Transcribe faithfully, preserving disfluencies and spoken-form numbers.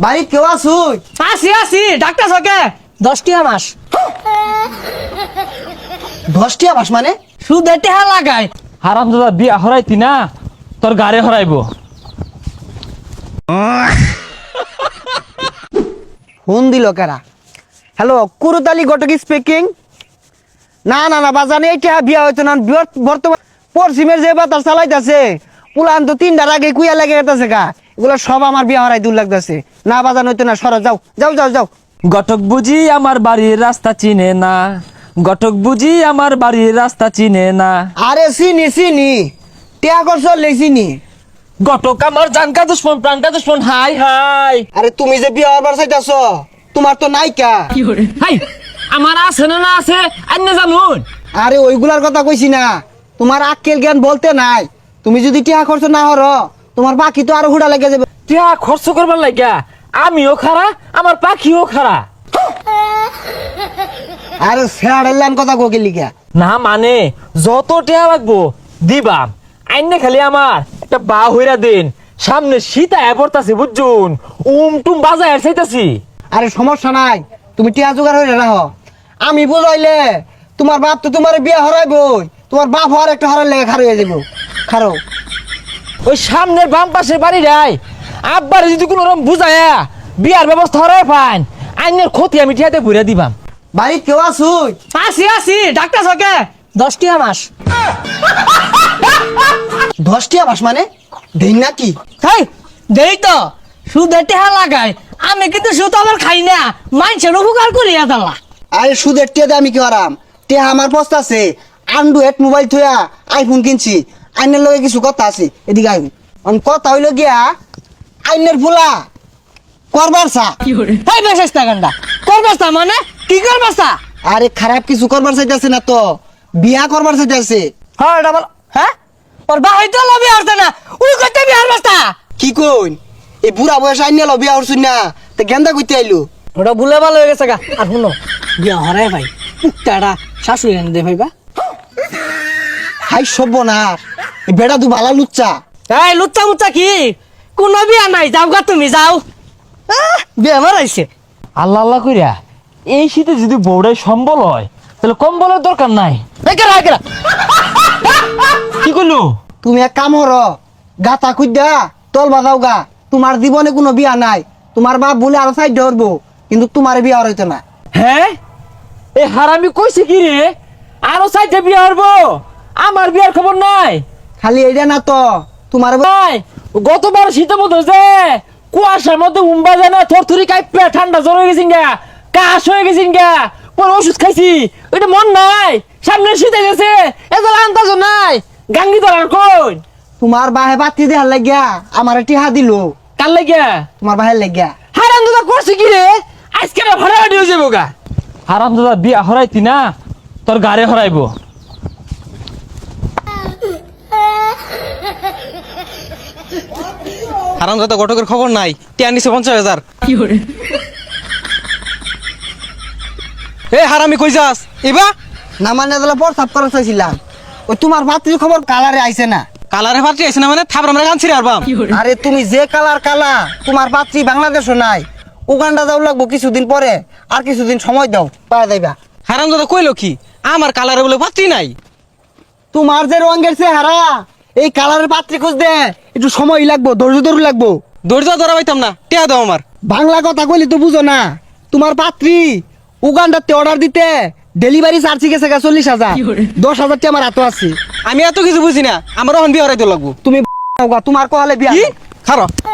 বাড়ি কেউ আসুই? আসি আসি ডাক্তার সকে দশটি মাস দশটি মাস মানে সুদে টেহা লাগাই। হারাম দাদা বিয়া হরাইতি না তোর গাড়ি হরাইব। ফোন দিল কারা? Hello, Kurutali Ghatak speaking. না না না বাজানে এইটা বিয়া হইতো না। বর্তমান পশ্চিমের যে বাতাস চালাইতেছে পুলান তো তিনটার আগে কুইয়া লেগে গেছে গা, এগুলো সব আমার বিয়া হরাই দূর লাগতেছে। না বাজান হইতো না, সরো যাও যাও যাও যাও। গটক বুঝি আমার বাড়ির রাস্তা চিনে না, গটক বুঝি আমার বাড়ির রাস্তা চিনে না। আরে চিনি চিনি টিয়া করছ চিনি। গটক আমার জানকা দুশ্মন প্রাণকা দুশ্মন। হাই হাই আরে তুমি যে বিয়া হবার চাইতেছ তোমার তো নাইকা। হাই আমার আছে না না আছে আন্য জানুন। আরে ওইগুলার কথা কইছি না, তোমার আক্কেল জ্ঞান বলতে নাই। তুমি যদি টিয়া খরচ না হর তোমার বাকি তো আরো হুড়া লেগে যাবে। টিয়া খরচ করবার লাগিয়া আমিও খারা আমার পাখিও খারা। আরে ফেয়ার কথা কোকে লিখা না মানে যত টিয়া লাগবো দিবাম। আইনে খালি আমার একটা বা হইরা দিন, সামনে শীত আয়া পড়তাছে বুঝছুন, উম টুম বাজায় চাইতাছি। আরে সমস্যা নাই, তুমি টিয়া জোগাড় হয়ে রাখো। আমি বুঝাইলে তোমার বাপ তো তোমার বিয়া হরাইবই, তোমার বাপ হওয়ার একটা হরার লেগে খারো হয়ে যাবো। খারো ওই সামনের বাম পাশের বাড়ি যাই আব্বার যদি কোনো রকম বুঝায়া বিয়ার ব্যবস্থা হরাই পান আইনের ক্ষতি আমি টিয়াতে ঘুরে দিবাম। বাড়ি কেউ আসুই? আসি আসি ডাক্তার সকে দশটি মাস দশটি মাস মানে দেই নাকি? হাই দেই তো সুদে টেহা লাগাই। আমি কিন্তু সুদ আবার খাই না, মানুষের উপকার করি আদাল্লা। আরে সুদের টিয়াতে আমি কি হারাম? টিয়া আমার পস্তা আছে, অ্যান্ড্রয়েড মোবাইল থইয়া আইফোন কিনছি। আইনের লগে কিছু কথা আছে, এদিকে আইন। কথা হইল গিয়া আইনের ফুলা করবার চা। হাই বেশা গান্ডা করবাস্তা মানে কি করবাস্তা? আরে খারাপ কিছু করবার চাইতেছে না তো, বিয়া করবার চাইতেছে। হ্যাঁ এটা বল। হ্যাঁ ওর বা হইতো লবি আসতে না, উই করতে বিহার বাস্তা। কি কইন এই বুড়া বয়স আইনে লো বিয়া হরছুন না, তে গেন্দা কইতে আইলু। ওটা ভুলে ভালো হয়ে গেছে গা। আর শুনো বিয়া হরাই ভাই পুকটাটা শাশুড়ি এনে দে ভাইবা। হাই সভ্য না, এই বেড়া দু বালা লুচ্চা। এই লুচ্চা মুচ্চা কি, কোনো বিয়া নাই, যাও গা তুমি যাও। আহ, বিয়া মারাইছে। আল্লাহ আল্লাহ কইরা এই শীতে যদি বউড়াই সম্বল হয় তাহলে কম্বলের দরকার নাই। একেরা একেরা কি করলো? তুমি এক কাম হর, গাতা খুঁজা তল বাজাও গা। তোমার জীবনে কোনো বিয়া নাই, তোমার বাপ বলে আরো সাইড ধরবো, কিন্তু তোমার বিয়া হইতো না। হ্যাঁ এই হারামি কইছে কি রে আরো চাইতে বিয়া হবো? আমার বিয়ার খবর নাই। খালি এইটা না তো তোমার ভাই গতবার শীতের মধ্যে যে কুয়াশার মধ্যে উম্বা যায় না, থরথরি কাইপে ঠান্ডা জ্বর হয়ে গেছিন গা, কাশ হয়ে গেছিন গা, পরে ওষুধ খাইছি। ওইটা মন নাই, সামনে শীতে গেছে এদের আন্দাজ নাই। গাঙ্গি ধরার কই তোমার বাহে বাতি দেহার লাগিয়া আমার টিহা দিল। কার লাগিয়া? তোমার বাহের লাগিয়া। হারাম দাদা করছে কি রে? আজকে না ভাড়া হয়ে যাবো গা। হারাম দাদা বিয়া হরাইতি না তোর গাড়ি হরাইব। হারাম দাদা ঘটকের খবর নাই, টিয়া নিছে পঞ্চাশ হাজার। এ হারামি কই যাস এবা? না মানে তাহলে পর সাফ করা চাইছিলাম। ওই তোমার ভাতির খবর কালারে আইছে না? কালারে ফাটি আইছে না মানে থাবর আমরা গান ছিড়ে আরবাম। আরে তুমি যে কালার কালা, তোমার পাত্রী বাংলাদেশও নাই, উগান্ডা যাও লাগবো কিছুদিন পরে। আর কিছুদিন সময় দাও, পাওয়া যাইবা। হারাম দাদা কইলো কি আমার কালারে বলে পাত্রী নাই? তোমার যে রঙের চেহারা, এই কালারের পাত্রী খুঁজতে একটু সময় লাগবো, ধৈর্য ধরে লাগবো। ধৈর্য ধরা পাইতাম না, টিয়া দাও আমার। বাংলা কথা কইলে তো বুঝো না। তোমার পাত্রী উগান্ডাতে অর্ডার দিতে ডেলিভারি চার্জ গেছে গা চল্লিশ হাজার। দশ হাজারটি আমার হাতে আছে। আমি এত কিছু বুঝি না, আমার ওখান বিয়ে হরাইতে লাগবো। তুমি তোমার কহালে বিয়া কি খারাপ